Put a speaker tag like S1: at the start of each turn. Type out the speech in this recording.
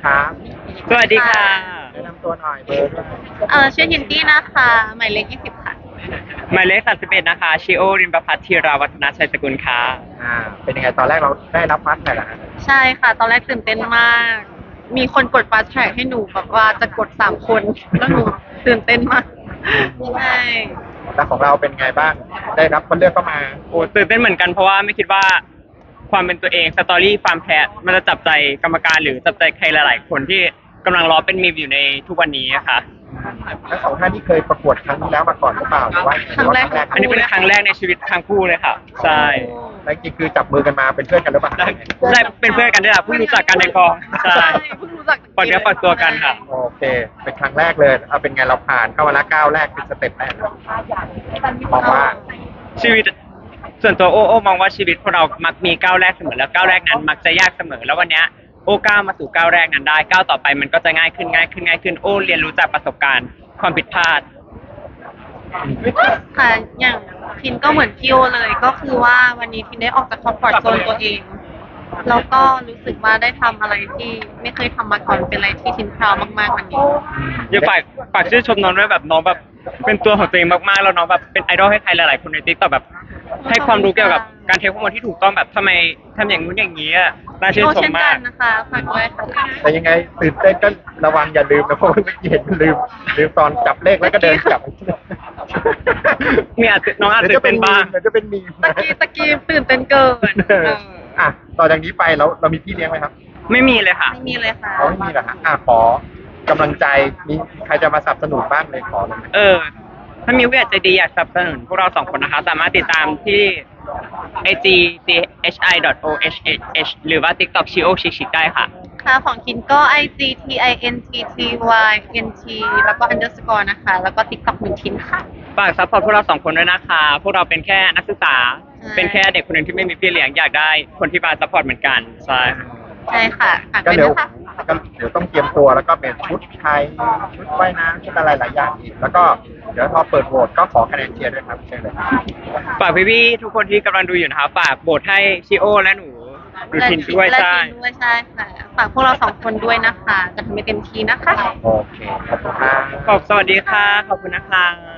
S1: ครับ
S2: สวัสดีค่ะ
S1: แนะนำตัวหน่อยเบอร์ด้วย
S3: ชื่อฮินตี้นะคะหมายเลข20ค่ะ
S2: หมายเลข31นะคะชิโอริมประพัฒน์ธีราวัฒนาชัยสกุลค่ะ
S1: อ่าเป็นยังไงตอนแรกเราได้รับฟัดไหมล่ะฮะ
S3: ใช่ค่ะตอนแรกตื่นเต้นมาก มีคนกดฟาสต์แทร็กให้หนูแบบว่าจะกด3 คนแล้วหนูตื่นเต้นมากใช่
S1: แล้วของเราเป็นไงบ้างได้รับคนเลือกเข้ามา
S2: โอ้ตื่นเต้นเหมือนกันเพราะว่าไม่คิดว่าความเป็นตัวเองสตอรี่ความแพ้มันจะจับใจกรรมการหรือจับใจใครหลายๆคนที่กำลังรอเป็นมีมอยู่ในทุกวันนี้ค่ะ
S1: ทั้งสองท่านที่เคยประกวดครั้งที่แล้วมาก่อนหรือเปล่าหรือว่า
S3: ครั้งแรก
S2: อันนี้เป็นครั้งแรกในชีวิตทั้งคู่เลยค่ะใช่
S1: แล้วจริงๆคือจับมือกันมาเป็นเพื่อนกันหรือเปล่า
S2: ใช่เป็นเพื่อนกันด้วยล่ะเพิ่งรู้จักกันในกองใช่
S3: เพิ่งรู้จัก
S2: ปล่อยเนื้อปล่อยตัวกันค่ะ
S1: โอเคเป็นครั้งแรกเลยเอาเป็นไงเราผ่านเข้ามาแล้วก้าวแรกเป็นสเต็ปแรกครับมองว่า
S2: ชีวิตส่วนตัวโอ้มองว่าชีวิตพวกเรามักมีก้าวแรกเสมอแล้วก้าวแรกนั้นมักจะยากเสมอแล้ววันเนี้ยโอ้ก้าวมาสู่ก้าวแรกนั้นได้ก้าวต่อไปมันก็จะง่ายขึ้นโอ้เรียนรู้จากประสบการณ์ความผิดพลาด
S3: ค่ะอย่างทินก็เหมือนพี่โอเลยก็คือว่าวันนี้ทินได้ออกจากคอมฟอร์ตโซนตัวเองแล้วก็รู้สึกว่าได้ทำอะไรที่ไม่เคยทำมาก่อนเป็นอะไรที่ทินพราวมากๆวันนี้
S2: อย่าฝากชื่นชมน้องด้วยแบบน้องแบบเป็นตัวของตัวเองมากๆแล้วน้องแบบเป็นไอดอลให้ใครหลายๆคนในติ๊กต็อกแบบให้ความรู้เกี่ยวกับการเทคโนโลยีที่ถูกต้องแบบทำไมทำอย่างนู้นอย่างนี้อ่ะน่าชื่นชมมาก
S3: เช่นกันนะคะฝากด้วยค่ะ
S1: แต่ยังไงตื่นเต้นก็ระวังอย่าลืมนะเพราะว่าเมื่อกี้เห็นลืมตอนจับเลขแล้วก็เดินกลับ
S2: มีน้องอาจจะเป็นบ้าง
S1: เดี๋ยวจะเป็นมีม
S3: ตะกี้ตื่นเต้นเกิน
S1: อ่ะต่อจากนี้ไปเรามีพี่เลี้ยงไหมครับ
S2: ไม่มีเลยค่ะ
S3: ไม่มีเลยค่ะ
S1: เขาไม่มีเหรอฮะขอกำลังใจมีใครจะมาสนับสนุนบ้างเลยขอเลย
S2: ถ้ามีผู้ใหญ่ใจดีอยากสนับสนุนพวกเรา2 คนนะคะสามารถติดตามที่ IG chi.ohh หรือว่า TikTok chio chic ได้ค่ะ
S3: ค่ะของคินก็ IGTINTTYNT แล้วก็ underscore นะคะ แล้วก็ TikTok 1ทินค่ะ
S2: ฝากซัพพอร์ตพวกเรา2 คนด้วยนะคะ พวกเราเป็นแค่นักศึกษา
S3: ใช่
S2: เป็นแค่เด็กคนหนึ่งที่ไม่มีพี่เลี้ยงอยากได้คนที่มาซัพพอร์ตเหมือนกันใช่
S3: ใช่ค่ะฝาก
S1: ก็
S3: ด้วย
S1: เดี๋ยว
S3: นะคะ
S1: ก็เดี๋ยวต้องเตรียมตัวแล้วก็เป็นชุดไทยชุดว่ายน้ำชุดอะไรหลายอย่างอีกแล้วก็เดี๋ยวพอเปิดโหวตก็ขอคะแนนเชียร์ด้วยครับเชิญเลย
S2: ฝากพี่ๆทุกคนที่กำลังดูอยู่นะคะฝากโบสให้ชิโอและหนูดูทินด้วย
S3: และ
S2: ใช่
S3: ทินด้วยใช่ค่ะฝากพวกเรา2 คนด้วยนะคะ จะทำให้เต็มที่นะคะ
S1: โอเคขอบคุณครับ
S2: สวัสดีค่ะ ขอบคุณนะคะ